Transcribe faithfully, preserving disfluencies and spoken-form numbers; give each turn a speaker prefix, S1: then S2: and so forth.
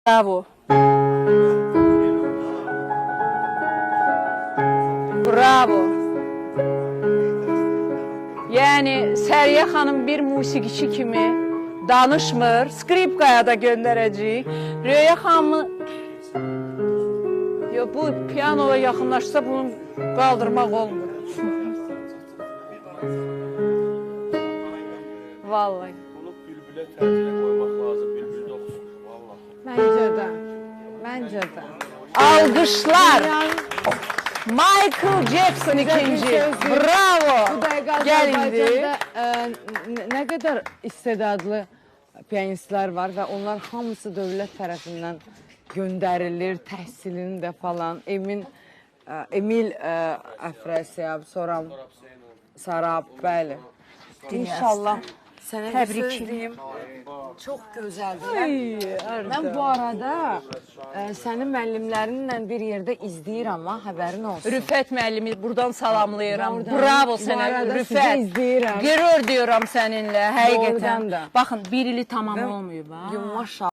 S1: Bravo. Bravo. Yəni Səriyə xanım bir musiqiçi kimi danışmır, skripkaya da göndərəcəyik. Röya xanımı Yo, bu piyanoya yaxınlaşsa bunu qaldırmaq olmur. Vallahi.
S2: Bunu bülbülə tərcülə qoymaq lazım, bülbül də oxusun. Vallahi.
S3: Məncə də. Məncə də.
S1: Alqışlar. Michael Jackson ikinci. Bravo.
S3: Bu dəqiqə
S1: Gəl indi.
S3: Azərbaycanda ə, nə qədər istedadlı piyanistlər var və onlar hamısı dövlət tərəfindən göndərilir, təhsilini də falan. Emin, ə, Emil ə, Əfrəsiyab, sonra Sarab, bəli. İnşallah sənə bir söz deyim. Çox gözəldir. Mən bu arada ə, sənin müəllimlərinlə bir yerdə izləyirəm, ha, həbərin olsun.
S1: Rüfət müəllimi buradan salamlayıram.
S3: Oradan,
S1: Bravo
S3: bu
S1: sənə
S3: arada
S1: Rüfət.
S3: sizi izləyirəm.
S1: Qürur diyorum səninlə, həqiqətən.
S3: Doğrudan da.
S1: Baxın, bir ili tamam olmayıb, ha.
S3: Maşallah.